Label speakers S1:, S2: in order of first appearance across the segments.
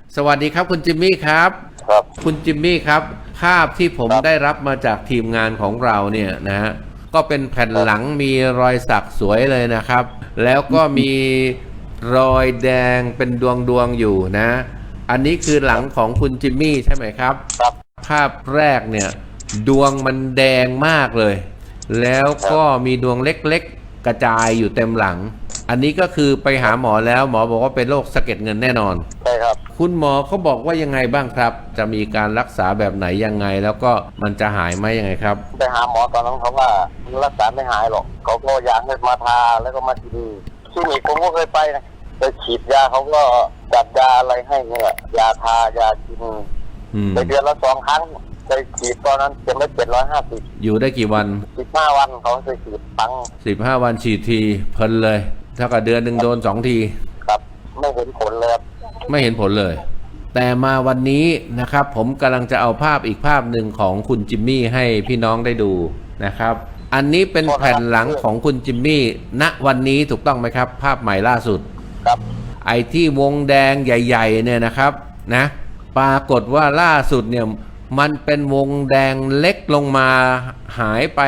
S1: สวัสดีครับคุณจิมมี่ครับ
S2: ครับ
S1: คุณจิมมี่ครับภาพที่ผมได้รับมาจากทีมงานของเราเนี่ยนะฮะก็เป็นแผ่นหลังมีรอยสักสวยเลยนะครับแล้วก็มีรอยแดงเป็นดวงอยู่นะอันนี้คือหลังของคุณจิมมี่ใช่ไหมครับ
S2: ครับ
S1: ภาพแรกเนี่ยดวงมันแดงมากเลยแล้วก็มีดวงเล็กๆกระจายอยู่เต็มหลังอันนี้ก็คือไปหาหมอแล้วหมอบอกว่าเป็นโรคสะเก็ดเงินแน่นอน
S2: ใช่ครับ
S1: คุณหมอเขาบอกว่ายังไงบ้างครับจะมีการรักษาแบบไหนยังไงแล้วก็มันจะหายไหมยังไงครับ
S2: ไปหาหมอตอนนั้นเขาว่ารักษาไม่หายหรอกเขาก็อยากให้มาทาแล้วก็มากินที่นี่ผมก็เคยไปนะไปฉีดยาเขาก็จัดยาอะไรให้เนี่ยยาทายากินไปเดือนละ2 ครั้งไปฉีดตอนนั้นเข็มละ750
S1: อยู่ได้กี่วัน
S2: 15 วันเขาไปฉีดปัง
S1: 15 วันฉีดทีเพลินเลยเท่ากับเดือนหนึ่งโดน2 ที
S2: ครับไม่เห็นผลเลยครับ
S1: ไม่เห็นผลเลยแต่มาวันนี้นะครับผมกำลังจะเอาภาพอีกภาพหนึ่งของคุณจิมมี่ให้พี่น้องได้ดูนะครับอันนี้เป็นแผ่นหลังของคุณจิมมี่ณวันนี้ถูกต้องไหมครับภาพใหม่ล่าสุด
S2: ครับ
S1: ไอ้ที่วงแดงใหญ่ๆเนี่ยนะครับนะปรากฏว่าล่าสุดเนี่ยมันเป็นวงแดงเล็กลงมาหายไป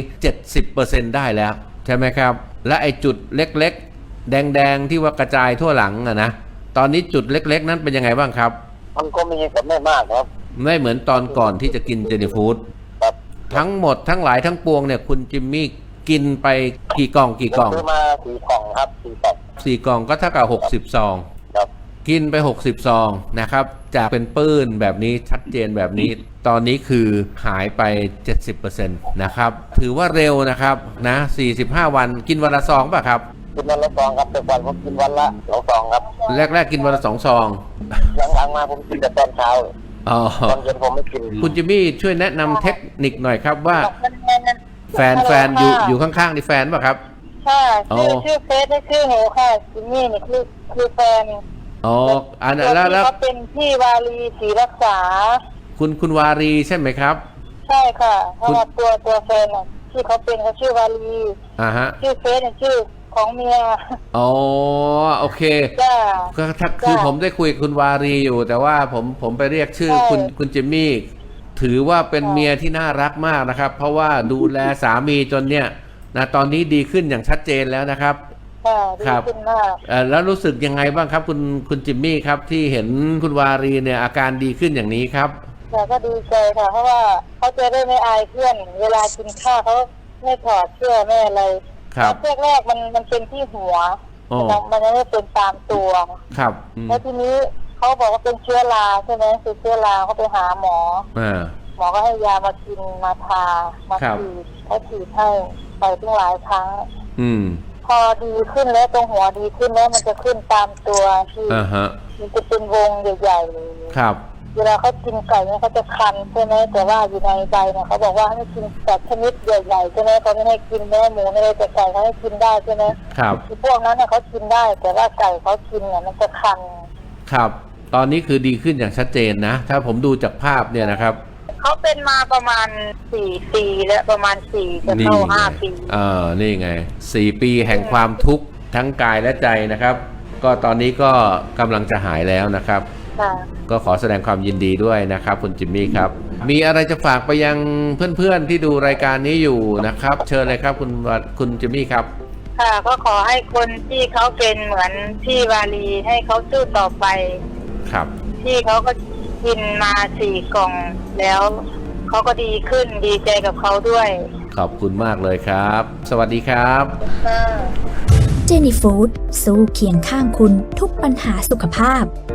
S1: 70% ได้แล้วใช่ไหมครับและไอ้จุดเล็กๆแดงๆที่ว่ากระจายทั่วหลังอะนะตอนนี้จุดเล็กๆนั้นเป็นยังไงบ้างครับ
S2: มันก็มีแต่ไม่มากครับ
S1: ไม่เหมือนตอนก่อนที่จะกินเจนี่ฟู้ด
S2: ครับ
S1: ทั้งหมดทั้งหลายทั้งปวงเนี่ยคุณจิมมี่กินไปกี่กล่อง
S2: ซื้อมา4 กล่องครับ4 กล่อง
S1: 4 กล่องก็เท่ากับ60 ซอง
S2: ครับ
S1: กินไป60 ซองนะครับจากเป็นปื้นแบบนี้ชัดเจนแบบนี้ตอนนี้คือหายไป 70% นะครับถือว่าเร็วนะครับนะ45 วันกินวันละซองป่ะครับ
S2: กินวันละ2ครับแต่ก่อนผมกินวันละ2 ซองครับ
S1: แรกๆกินวันละ2 ซอง
S2: หลังๆมาผมกินแต่ตอนเช้าตอนเย็นผมไม่กิน
S1: คุณจิมมี่ช่วยแนะนำเทคนิคหน่อยครับว่าแฟนอยู่ข้างๆนี่แฟนป่ะครับ
S3: ค่ะชื่อเฟซได้ชื่อหนูค่ะจิมมี่นี่คือแฟน
S1: อ๋ออันนั้นแล้ว
S3: เขาเป็นพี่วารีศรีรักษา
S1: คุณวารีใช่ไหมครับ
S3: ใช่ค่ะเพราะว่าตัวแฟนที่เขาเป็นเขาชื่อวารี
S1: ฮะ
S3: ชื่อเฟซเนี่ยชื่อของเมีย
S1: อ๋อโอเคก็คือผมได้คุยกับคุณวารีอยู่แต่ว่าผมไปเรียกชื่อคุณจิมมี่ถือว่าเป็นเมียที่น่ารักมากนะครับเพราะว่าดูแลสามีจนเนี่ยนะตอนนี้ดีขึ้นอย่างชัดเจนแล้วนะครับ
S3: ครับ
S1: แล้วรู้สึกยังไงบ้างครับคุณจิมมี่ครับที่เห็นคุณวารีเนี่ยอาการดีขึ้นอย่างนี้ครับ
S3: ก็ดีใจค่ะเพราะว่าเขาจะได้ไม่อายเพื่อนเวลากินข้าวเขาไม่ถอดเสื้อไม่อะไรแรกมันเป็นที่หัวมันไม่ได้เป็นตามตัว
S1: ครับ
S3: แล้วทีนี้เขาบอกว่าเป็นเชื้อราใช่ไหมคือเชื้อราเขาไปหาหมอก็ให้ยามากินมาทามาฉีดให้ไปตั้งหลายครั้งพอดีขึ้นแล้วตรงหัวดีขึ้นแล้วมันจะขึ้นตามตัวที่มันจะเป็นวงใหญ่ๆ
S1: ครับ
S3: เวลาเขากินไก่เนี่ยเขาจะคันใช่ไหมแต่ว่าอยู่ในใบเนี่ยเขาบอกว่าให้กินแต่ชนิดใหญ่ๆใช่ไหมเขาไม่ให้กินเนื้อหมูอะไรแต่ไก่เขาให้กินได้ใช่ไหม
S1: ครับ
S3: คือพวกนั้นเนี่ยเขากินได้แต่ว่าไก่เขากินเนี่ยมันจะคัน
S1: ครับตอนนี้คือดีขึ้นอย่างชัดเจนนะถ้าผมดูจากภาพเนี่ยนะครับ
S3: เขาเป็นมาประมาณ4 ปีแล้วประมาณ4จะเข้า5 ปี
S1: นี่ไง4 ปีแห่งความทุกข์ทั้งกายและใจนะครับก็ตอนนี้ก็กำลังจะหายแล้วนะครับก็ขอแสดงความยินดีด้วยนะครับคุณจิมมี่ครับมีอะไรจะฝากไปยังเพื่อนๆที่ดูรายการนี้อยู่นะครับเชิญเลยครับคุณจิมมี่ครับ
S3: ค่ะก็ขอให้คนที่เขาเป็นเหมือนพี่วารีให้เขาสู้ต่อไป
S1: ครับ
S3: ที่เขาก็กินมา4 กล่องแล้วเขาก็ดีขึ้นดีใจกับเขาด้วย
S1: ขอบคุณมากเลยครับสวัสดีครับ
S4: เจนี่ฟู้ดสู้เคียงข้างคุณทุกปัญหาสุขภาพ